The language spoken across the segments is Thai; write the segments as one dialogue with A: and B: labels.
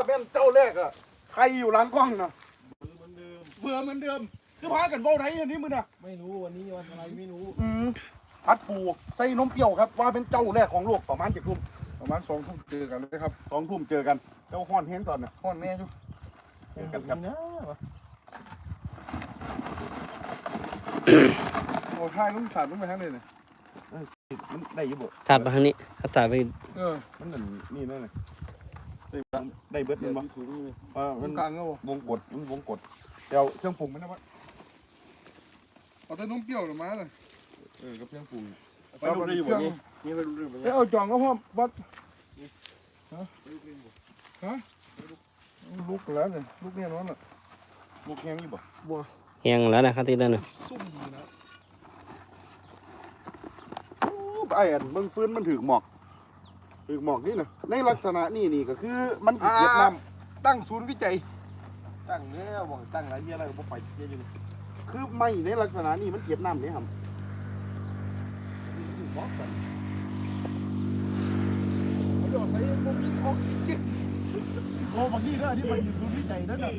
A: เป็นเจ้าแรกอะใครอยู่หลังกล้องนะเบื่อเหมือนเดิมคือพากันเบ้าไหนอันนี้มึงอะ
B: ไม่รู้วันนี้วันอะไรไม่รู้
A: พัดปูใส่นมเปรี้ยวครับว่าเป็นเจ้าแรกของโลกประมาณ7 ทุ่ม
B: ประมาณ2 ทุ่มเจอกันเลยครับ
A: 2 ทุ่มเจอกันเจ้าห้อนเห็นตอนน่ะ
B: ห้อนแน่จุ๊
A: เจอกันครับ
B: โอ้ท่ายลุงฉาดลุงไปทางไหนเนี่ย
A: มันได้อยู่บ่
C: ถัดมาทางนี้ถ้าถ่ายไป
A: มันนั่นนี่นั่นเลยได้เบิดมันมั้งมัน
B: กลางก็บ่
A: วงกดมันวงกดเดี๋ยวเครื่องปรุงมันนะวะ
B: เอาแต่นมเปรี้ยวหรือมาเลย
A: กับเครื่องปรุง
B: ไปดูได้อยู่บ่นี่
A: นี่ไปดูเรื่องมัน
B: เอาจองก็พอวัดฮะลูกแล้วเนี่ยลูกเนี่ยน้องน่ะ
A: ลูกแห้งอยู่บ่
B: บัว
C: แห้งแล้วนะครับที่นั่นน่ะ
B: ซุ่มนะ
A: ไอ้อันเบิ่งฟื้นมันถึกหมอกนี่นะในลักษณะนี่ก็คือมันเก็บน้ำ
B: ตั้งศูนย์วิจัย
A: ตั้งเนี่ยบอกตั้งอะไรเยอะอะไรก็บ่ไปเยอะอยู่คือไม่ในลักษณะนี้มันเก็บน้ำนี่ครับบอกกัน
B: เขาจะใส่บ่มีออกซิเจน
A: โอ้บางทีนะที่มันอยู่ศูนย์วิจัยนั่นน่ะ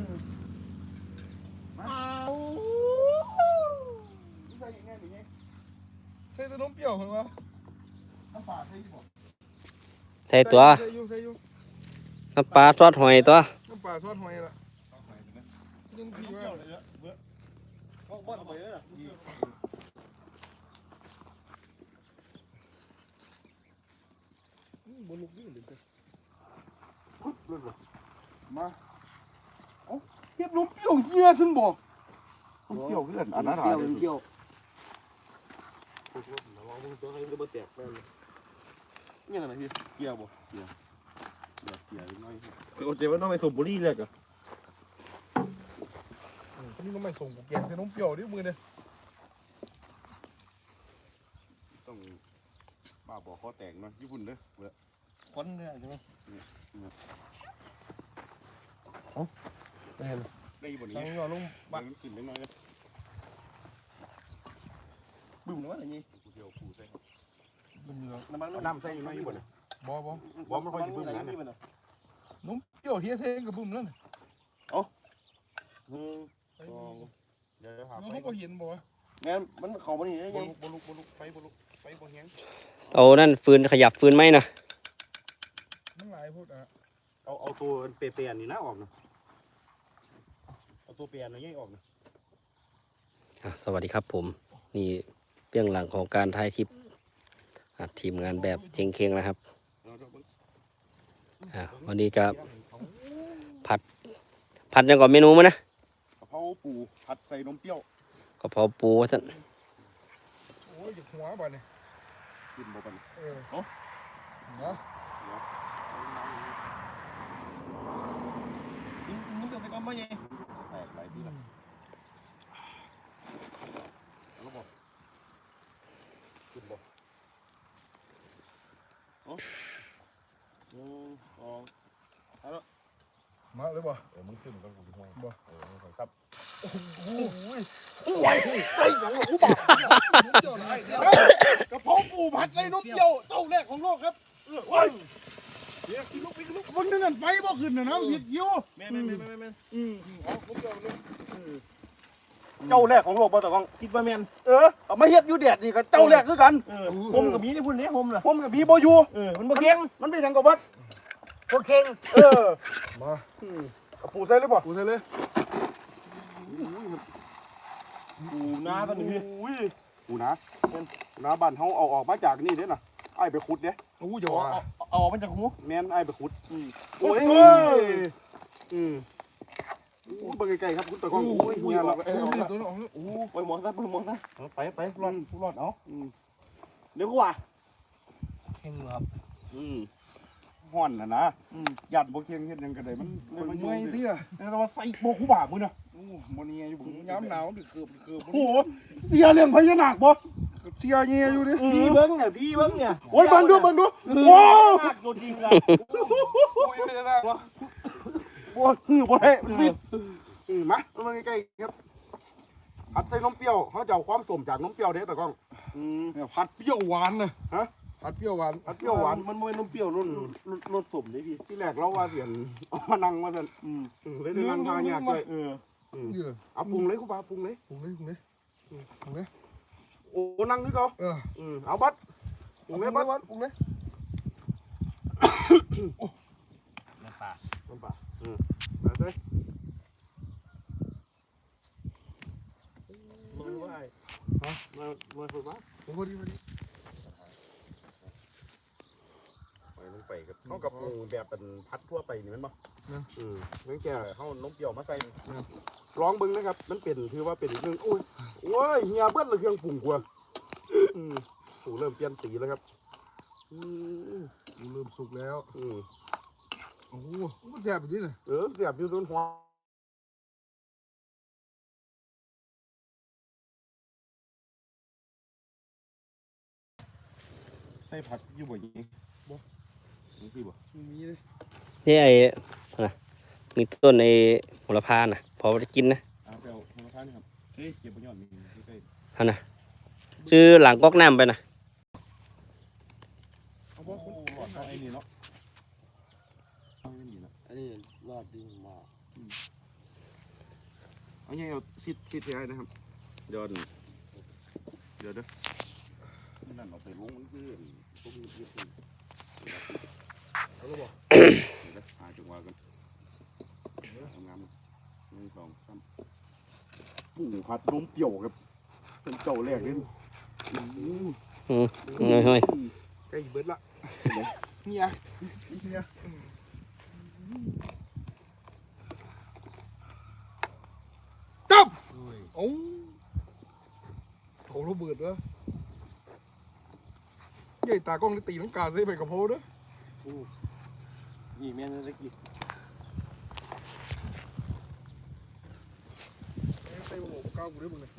A: ใส่ยังไงอย่างเงี้ย
B: ใส่แต่นมเปรี้ยวเหรอวะ
A: น้ำปลาใส่ที่บอก
C: ใส่ตัว
B: ใส่อยู่
C: น้ำปลาซอสหอยตัว
B: น้ำปลาซอสหอยละยังพี่ว่า
A: บ้านไปเลยอ่ะ
B: บนลูกนี่เลย
A: เรื่องมาเอ้าเก็บนมเปรี้ยวเหี้ยซึ่งบอกนมเปรี้ยวเพื่อนอันนั้นหาเลย
B: เปรี้ยว
A: นี่อะไรพี่เกี่ยวบ่เกี่ยวน้อย
B: โอเคว่าต้องไปสูบบุหรี่เลยกะนี่ก็ไม่ส่งกูแกงใส่นมเปรี้ยวดิมือเนี่ย
A: ต้องบ้าบอกข้อแตกเนาะญี่ปุ่นเด้อเว้ย
B: คนเนี่ยใช่ไหม
A: ได้บ่
B: ตั้
A: นี้
B: งยอลง
A: บ้านมันขึ้นได้น้อยเลย
B: บึ้มหรือว่าอะไรนี่
A: กูเดียวกูใส่
B: บึ้มเหลือง
A: น้ำใส่อยู่น้อยญี่ปุ่นน่ะ
B: บ่
A: บ่มันค่อยสิบึ้มนั้นน่ะ
B: นมเปรี้ยวเฮียเซ่กับบึ้มแล้วเนี่ย
A: เดี๋ยวหา
B: น้องเขาก็เห็นบ่วะ
A: แม่มันเข้าบ่นี่ได้ยังบ่ลุกไฟบ่แฮง
C: เอานั่นฟืนขยับฟืนไหมนะ
B: มันหลายพูดอ่ะ
A: เอาตัวเปียๆนี่นะออกนะเอาตัวเปียนี่ออกนะ
C: สวัสดีครับผมนี่เบื้องหลังของการถ่ายคลิปทีมงานแบบเชงเคงนะครับวันนี้ก็ผัดยังก่อนเมนูมั้ยนะ
A: กะเพราปูผัดใส่นมเปรี้ยว
C: กะเพราปูท่าน
B: โอ้ยหยิบหัวบ่เนี่ย
A: กินบ่กัน
B: เนาะ
A: มึงจะไปก้อนบ่ยังแตกหลายทีละแล้วบ่กินบ่
B: มาเลยบ่
A: มึงขึ้นกันกูห้อง
B: บ่
A: ครับ
B: โอ้ย
A: ไว้ใส่หยังกูบอกกะเพราปูผัดใส่นมเปรี้ยวเจ้าแรกของโลกครับโอ้ยเดี๋ยวกินลูกมึงนั่นไฟบ่ขึ้นน่ะนะผิดคิวแม่น
B: เอาผมเปรี้ยวเลย
A: เจ้าแรกของโลกบ่ตะก้องคิดว่าแม่นเอามาเฮ็ดอยู่แดดนี่ก็เจ้าแรกคือกันผมกับมีนี่พุ่นนี่ผมกับมีบ่อยู่มันบ่เก่งมันเป็นหยังก็บัดบ่เก่ง
B: มา
A: ปูใส่เลยบ่
B: กูใส่เลย
A: ปูนาตอนนี้ปูนานาบ้านเฮาเอาออกมาจากนี่เด้น่ะไอ้ไปขุดเด้
B: โอ้ยอย่าว่า
A: เอามันจากหูแม่นไอ้ไปขุดโอ้ยเบิ่งไกลๆครับคุณตะก้องโอ้ยเฮียเรา
B: ตัวน้องโอ้
A: ไปหมอนซะไปรอดเอาเดี๋ยวกูว่า
C: เข่งครับ
A: ฮ้อนน่ะนะยัดบ่เคียงเฮ็ดหยังก็ได้มัน
B: เมื่อยที่อ่ะ
A: แล้วว่าใส่บ่คู่บ่ามื้อน่ะ
B: โอ้มันนี่อยู่ผมย้ำหนาวดึกเกือบ
A: โอ้โหเสียเรื่องพญานาคบ่
B: เสียเงี้ยอยู่ดิ
A: พี่เบิ้งเนี่ยโอ้ยเบิ้งดูโอ้ตัวจริงอะ
B: โอ้ยไม่ได้วะ
A: โอ้ยบ่ได้มันฟิตมาใกล้ๆครับผัดใส่นมเปรี้ยวเขาจะเอาความสมจากนมเปรี้ยวเด้ตะก้อง
B: เนี่ยผัดเปรี้ยวหวานนะผัดเปรี้ยวหวาน
A: ผัดเปรี้ยวหวาน
D: มันไม่นมเปรี้ยวรสสุ่มเลยพี่
A: ที่แรกเราว่าเสียนเอามานั่งมาสั่นเลยได้นั่งทางยากด้วย
B: เนื้อ
A: เอาปรุงเลยคุณป้าปรุงเลย
B: ปรุงเลยปรุงเลยปรุงเลย
A: โอ้นั่งนี่ก็ เอาบัดปรุงเลยบัด
B: ปรุงเลย
D: น้ำปลา
A: น้ำปลาใส่เลย
D: มันว่ามาฝึกว่า
B: ผมพอดีพอดี
A: ไปลงไปกับเขากับปรุงแบบเป็นพัดทั่วไปนี่มันบ่งั้นแกเขาน้ำเปรี้ยวมาใส่ลองเบิ่งนะครับมันเป็นคือว่าเป็นอีกนึงโอ้ยเฮียเบิ้ลเลยเครื่องปรุงกว่าถูเริ่มเปลี่ยนสีแล้วครับ
B: เริ่มสุกแล้ว โอ้โหมันแซ่บแบบนี้เลย
A: เสียบอยู่ตรงหัวใส่ผักอยู่บ่ยิงบ่นี่บ่
B: มีเลย
C: นี่ไอ้นะมีต้นไอ้โหระพาน่ะพอจะกินนะ
A: เอาไปเอาธรรมชาตินี่ครับเก็บไปยอดนี่ใกล้
C: ฮะนะซื้อหลังก๊อกน้ำไปนะ
B: เอาบ่คุณ
A: ๆเอาไอ้นี่เนาะเอาไอ้นี่เนาะ
D: อันนี้รอดดีมาก
A: เอาไงเอาซิดให้นะครับเดี๋ยวเด้อนั่นเอาไปลงมันคือพวกนี้เยอะ
B: เอาแล้วบ่
A: หาจังหวะกันทำงาน1 2 3ปรุงผัดนมเปรี้ยวครับเป็นเจ้าแรกเลย
C: เฮ้ย
B: ใกล้เบิดละเนี่ยเนี่ยจับโอ้โถระเบิดวะใหญ่ตากล้องได้ตีน้ำกาใส่ไปกับโพดด้วย
D: นี่แม่นตะกี้
B: ใส่หมูก้าวกูได้มึงเลย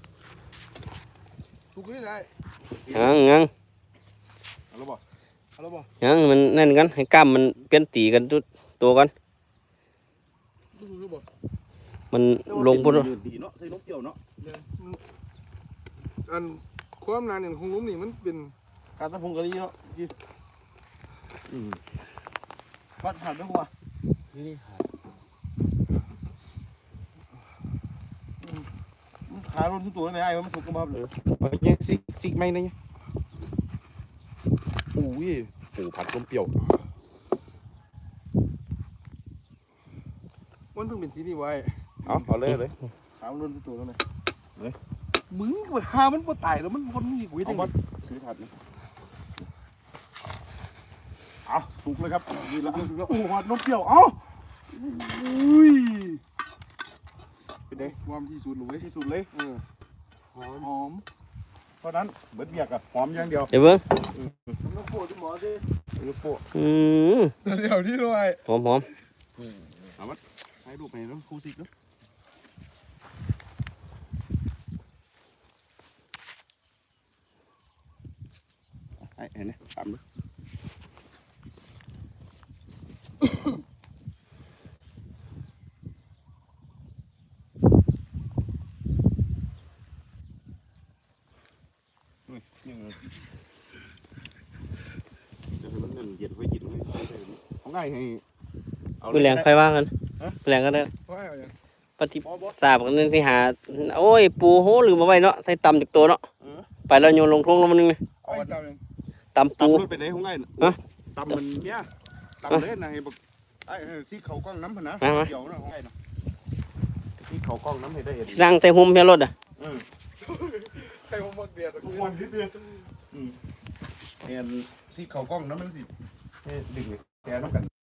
B: ถูกนี่ได้
C: ยัง
A: เอาแล้วบ่
B: เอาแล้วบ่
C: ยังมันนั่นกันให้กล้ามมันเปลี่ยนตีกันตัวกัน
B: ถูกหรือบ่
C: มันลงพุ่น
A: ดีเนาะใส่นมเปรี้ยวเนาะ
B: อันความนานอย่างของล้มนี่มันเป็น
D: การตะพงกะลีเนาะพี่วัดผ่านไปหัวนี่ขาลนทุกตัวเลยไอ้มันสุกกันมาเลย
A: เอาเนี่ยซิกไม่นะเนี่ยโอ้ยโอ้ผัดนมเปรี้ยว
B: มันเพิ่งเป็นสีนี่ไว้
A: เอาเลย
D: ขาลนทุกตัวเลย
B: มึงก็หามันบ่ตายแล้วมันคนมีกู
A: เอา
B: จัง
A: บัดซื้อผัดนะเอาสุกเลยครับดีละโอ้ผัดนมเปรี้ยวเอาอุ้ยเป็นไง
B: ความที่สุดเลย
A: ที่สุดเลย
B: หอม
A: หอมเพราะนั้นเบิดเบียกอะหอมอย่างเดียว
C: เดี๋ยวเบิ่ง
D: น้ำโคตรหมอดิ
A: โปะ
B: เดี๋ยวที่ด้วย
C: หอม
A: ให้รูปไปน้ำคูซิกเนาะไอ้เห็นไหมตามดูยังเดี๋ยวให้มันเงินเย็นไว้กินให้ของง่ายให้
C: มือแรงใครว่ากันมือแรงก็ได้
B: ว่าเอาอย่าง
C: ปฏิสาบกันที่หาโอ้ยปูโหลืมมาไว้เนาะใส่ตำจากตัวเนาะไปแล้วโยนลงทุ่งแล้วมันนึง
B: เอามาตามอย่าง
C: ตำปู
A: ตำรถไปไหนของง่ายตำมันเนี่ยตำเลยนะให้บอกไอ้ซีเขากล้องน้ำพนะเกี่ยวนะของง่ายนะซีเขากล้องน้ำให้ได้เห็น
C: นั่งแต่หุ่มเพียรถอ่ะ
B: ใครมาหมดเดียด
A: ทุกวันที่เดือนเห็นซีเขากล้องน้ำมันสิดึงแกน้ำกัน